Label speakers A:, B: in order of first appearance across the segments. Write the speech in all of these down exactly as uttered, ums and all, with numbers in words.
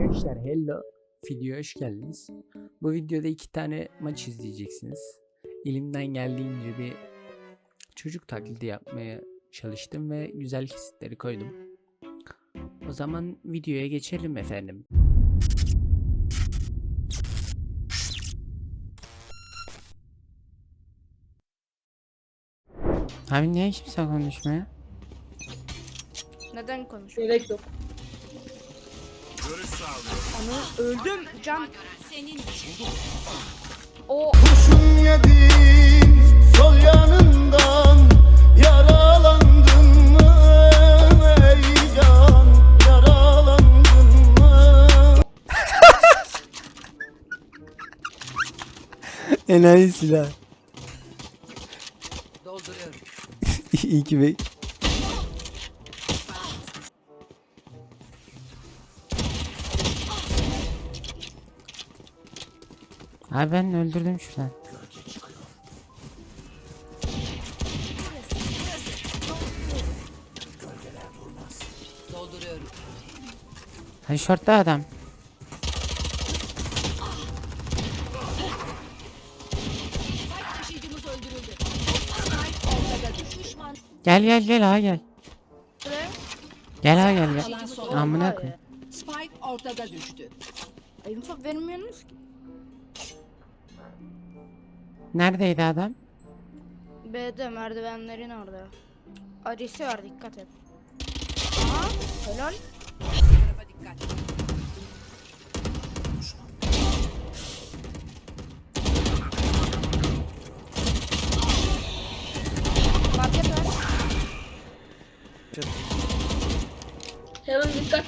A: Arkadaşlar hello, videoya hoş geldiniz. Bu videoda iki tane maç izleyeceksiniz. Elimden geldiğince bir çocuk taklidi yapmaya çalıştım ve güzel kesitleri koydum. O zaman videoya geçelim efendim. Abi niye hiç kimse konuşmuyor?
B: Neden konuşuyor?
C: Gerek yok.
B: Ana öldüm can. Senin o
D: Kurşun yedi sol yanından, yaralandın mı ey can, yaralandın mı?
A: Enayi silah.
E: Dolduruyorum.
A: İyi ki be. Abi ben öldürdüm şuradan.
E: Dolduruyorum.
A: Hani şortta adam.
E: Taşıyıcımız öldürüldü. Ortada düşman.
A: Gel gel gel ha gel.
B: buraya.
A: Gel ha gel gel.
E: Kalan son.
A: Amına koy.
E: Spike ortada düştü.
B: Ay info vermiyorsunuz ki.
A: Neredeydi adam?
B: B'de merdivenlerin orada. Acısı var dikkat et. Aha helal.
E: Tarafa dikkat.
B: Market var.
C: Hemen dikkat.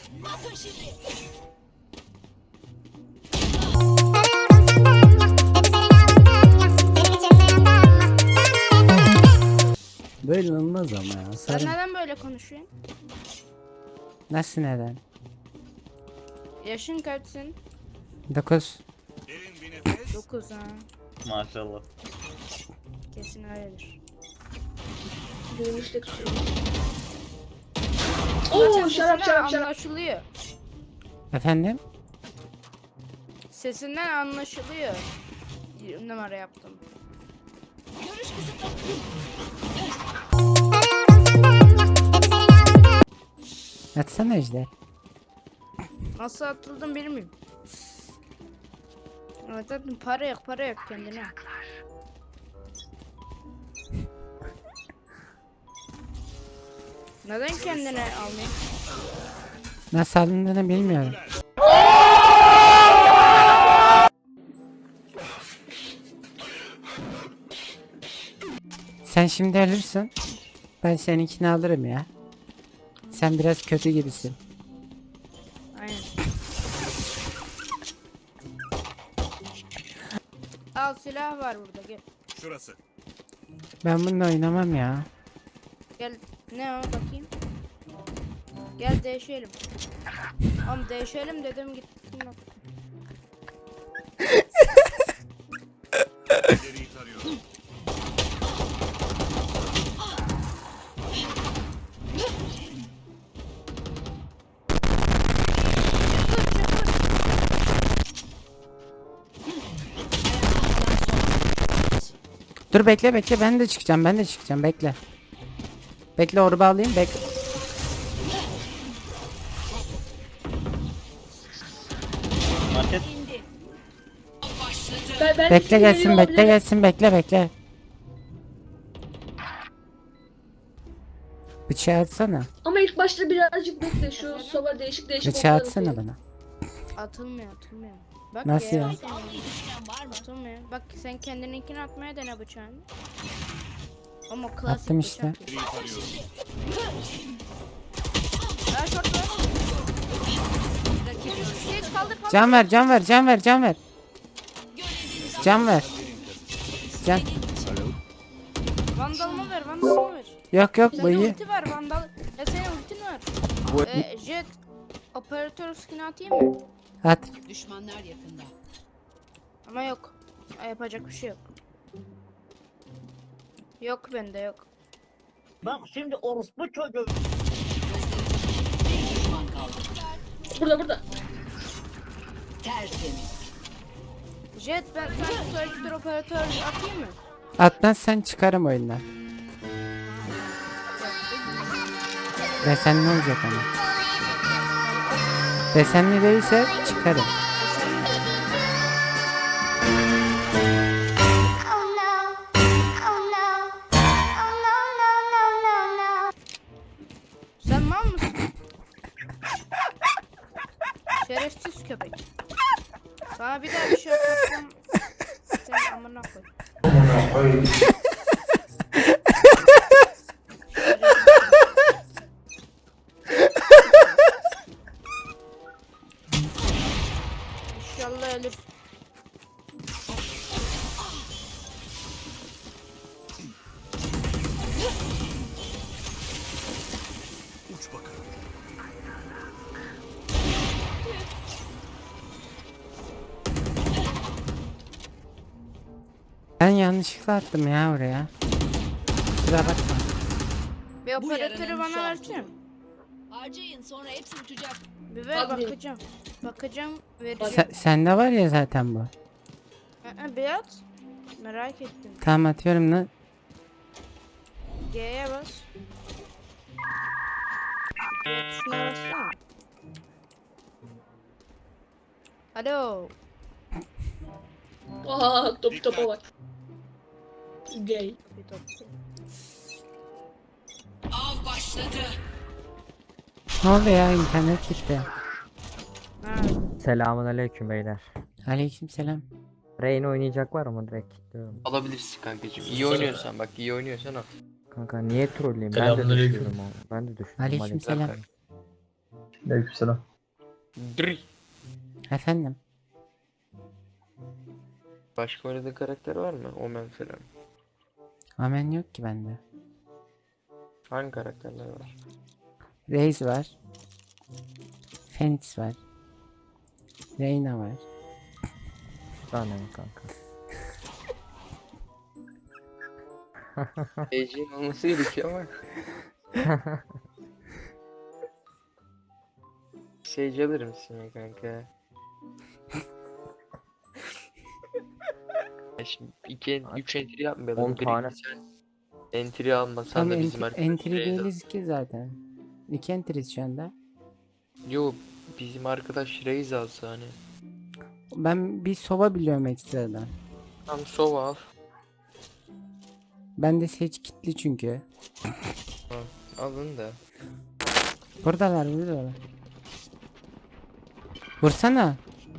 A: Böyle olmaz ama ya.
B: Sen
A: Sarı.
B: neden böyle konuşuyorsun?
A: Nasıl neden?
B: Yaşın kaçsın?
A: dokuz.
B: dokuz ha.
F: Maşallah.
B: Kesin öyledir.
C: Duymuştuk. Oo şarap şarap şarap.
B: Anlaşılıyor.
A: Efendim?
B: Sesinden anlaşılıyor. Bir numara yaptım.
A: Atsana Ejder.
B: Nasıl atıldım bilmiyorum. Evet zaten para yok para yok kendine. Neden kendine almayayım?
A: Nasıl alındığını bilmiyorum. Sen şimdi ölürsün. Ben seninkini alırım ya. Sen biraz kötü gibisin.
B: Aynen. Al silah var burada gel.
G: Şurası.
A: Ben bununla oynamam ya.
B: Gel ne o bakayım. Gel değişelim. Oğlum değişelim dedim gittim bak.
G: İleriyi tarıyorum.
A: Dur bekle bekle ben de çıkacağım ben de çıkacağım bekle. Bekle orba alayım bekle.
F: Market.
C: Ben, ben
A: Bekle gelsin bekle
C: olabilirim.
A: gelsin bekle bekle. Bıçağı atsana.
C: Ama ilk başta birazcık bekle. Şu soba değişik değişik.
A: Bıçağı
C: oklar
A: atsana
C: atıyor.
A: bana.
B: Atılmıyor atılmıyor. Bak
A: Nasıl ya?
B: Atılmıyor. Bak sen kendininkini atmaya dene bıçağını. Ama klasik
A: Attım
B: bıçak.
A: işte.
G: İleriyi tarıyorum.
B: Ha şort var. Hiç kaldır kaldır.
A: Can ver can ver can ver can ver. Can ver. Can.
B: Vandalımı ver vandalımı ver.
A: Yok yok bu
B: Senin
A: iyi.
B: ulti var vandal. Ya senin ultin var.
A: Bu
B: Ee, jet operatör skin atayım mı?
A: at.
E: Düşmanlar yakında.
B: Ama yok. Yapacak bir şey yok. Yok bende yok.
H: Bak şimdi orospu çocuğu.
E: Bir düşman kaldı.
C: Burada burada.
E: Tertemiz.
B: Jet ben sana söyledir operatör atayım mı?
A: Atmazsan çıkarım oyundan. Desenli olacak ama. Desenli değilse çıkarım.
G: Oh no, oh no, oh no, no, no, no, no.
B: Sen mal mısın? Şerefsiz köpek. Sana bir daha bir şey yaparsam sen amına koy. İnşallah ölür.
A: Ben yanlışlıkla attım ya oraya. Kusura bakma.
B: Bir
E: Bu
B: operatörü
E: yaranın
B: bana
E: son
B: versene.
E: Harcayın sonra hepsi uçacak.
B: Bir ver
C: Abi.
B: bakacağım. Bakacağım vereceğim.
A: Sen, sende var ya zaten bu.
B: Aa, bir at. Merak ettim.
A: Tamam atıyorum lan.
B: G'ye bas. G tuşuna bassana. Alo.
C: Aa top topa bak. Gay.
B: Bir top.
E: Av başladı.
A: Ne oldu ya, internet gitti.
B: Ha.
I: Selamun aleyküm beyler.
A: Aleykümselam.
I: Rain oynayacak var mı direkt kilitliyorum.
J: Alabilirsin kankacığım. İyi oynuyorsan bak, iyi oynuyorsan al.
I: Kanka niye trolleyim? Ben de düşüyorum oğlum. Ben de düşüyorum.
A: Aleykümselam.
F: Aleykümselam.
J: Dri.
A: Efendim.
J: Başka oynadığın karakter var mı? Omen falan.
A: Amen yok ki bende.
J: Hangi karakterler var?
A: Reis var. Phoenix var. Reyna var.
I: Bir tane mi kanka?
J: Ece'nin olması gerekiyor ama. Sage alır mısın ya kanka? Ya şimdi iki, üç entry yapmayalım.
I: on tane.
J: Birinci sen entry almasan
A: Tam
J: da bizim
A: entry,
J: arkadaş.
A: entry değiliz ki zaten. İki entry'yiz şu anda.
J: Yo, bizim arkadaş Raze alsa hani.
A: Ben bir sova biliyorum ekstradan.
J: Tam sova al.
A: Ben de seç kitli çünkü.
J: Alın da.
A: Buradalar buradalar. Vursana.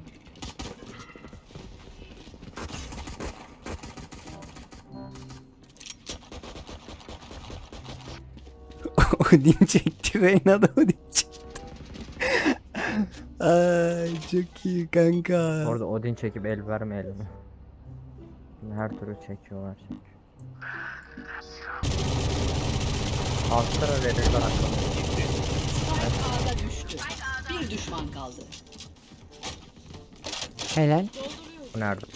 A: Odin çekti, Reyna da Odin çekti. Ay çok iyi kanka.
I: Orada Odin çekip el vermeyelim. Her türlü çekiyorlar. Astra verirler aklına.
E: Spike A'da düştü. Bir düşman kaldı.
A: Helal.
I: Bu nerede?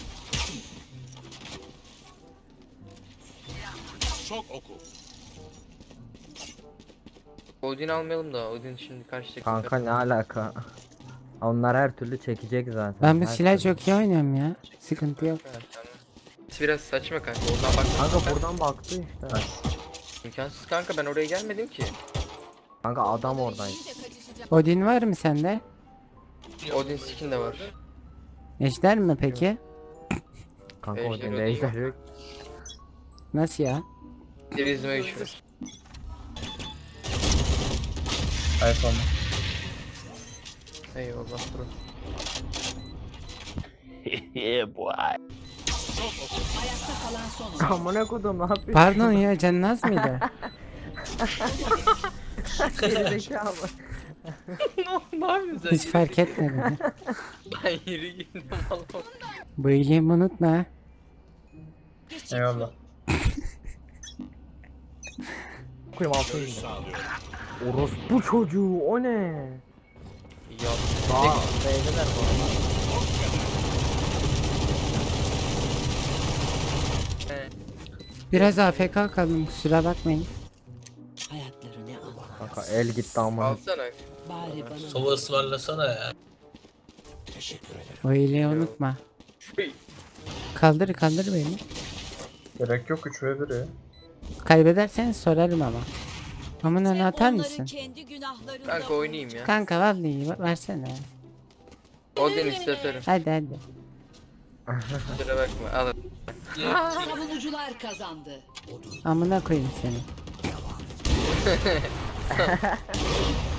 J: Odin almayalım da Odin şimdi karşı takım.
I: Kanka ne alaka? Onlar her türlü çekecek zaten.
A: Ben bu
I: her
A: silah
I: türlü.
A: çok iyi oynuyorum ya. Sıkıntı yok.
J: Evet, tamam. Biraz saçma kanka. Oradan bak.
I: Kanka buradan baktı işte.
J: İmkansız kanka, ben oraya gelmedim ki.
I: Kanka adam oradaydı.
A: Odin var mı sende?
J: Odin skin de var.
A: Ejder mi peki?
I: Kanka
J: Ejder
I: Odin'de
J: Odin
I: ejder
J: yok.
I: yok.
A: Nasıl ya?
J: Dirizme geçiyoruz.
F: iPhone.
J: Eyvallah bro.
E: Ayakta kalan son oyuncu.
I: Amına kodum ne yapıyorsun?
A: Pardon ya, Cennaz mıydı?
I: Gerizekalı.
J: Ne yapıyorsun
A: Hiç fark etmedim.
J: Ben yürü gittim valla.
A: Bu iyiliğimi unutma.
F: Eyvallah.
I: Koyayım altına indi. Orospu çocuğu o ne?
J: Ya
I: Aa beyler bu arada.
A: Biraz A F K kaldım, kusura bakmayın.
E: Hayatları ne Allah.
I: Kanka el gitti amına.
J: alsana.
E: Bari bana.
K: Sova ısmarlasana ya.
A: O iyiliği unutma. Kaldır kaldır beni.
F: Gerek yok üç ve bir ya.
A: Kaybedersen sorarım ama. Amın önüne atar
E: Onları
A: mısın?
E: kendi günahlarında
J: Kanka oynayayım ya.
A: Kanka vallahi versene.
J: Odin isterim.
A: Hadi hadi.
J: Kusura bakma al.
E: Savunucular kazandı.
A: Amına koyayım seni.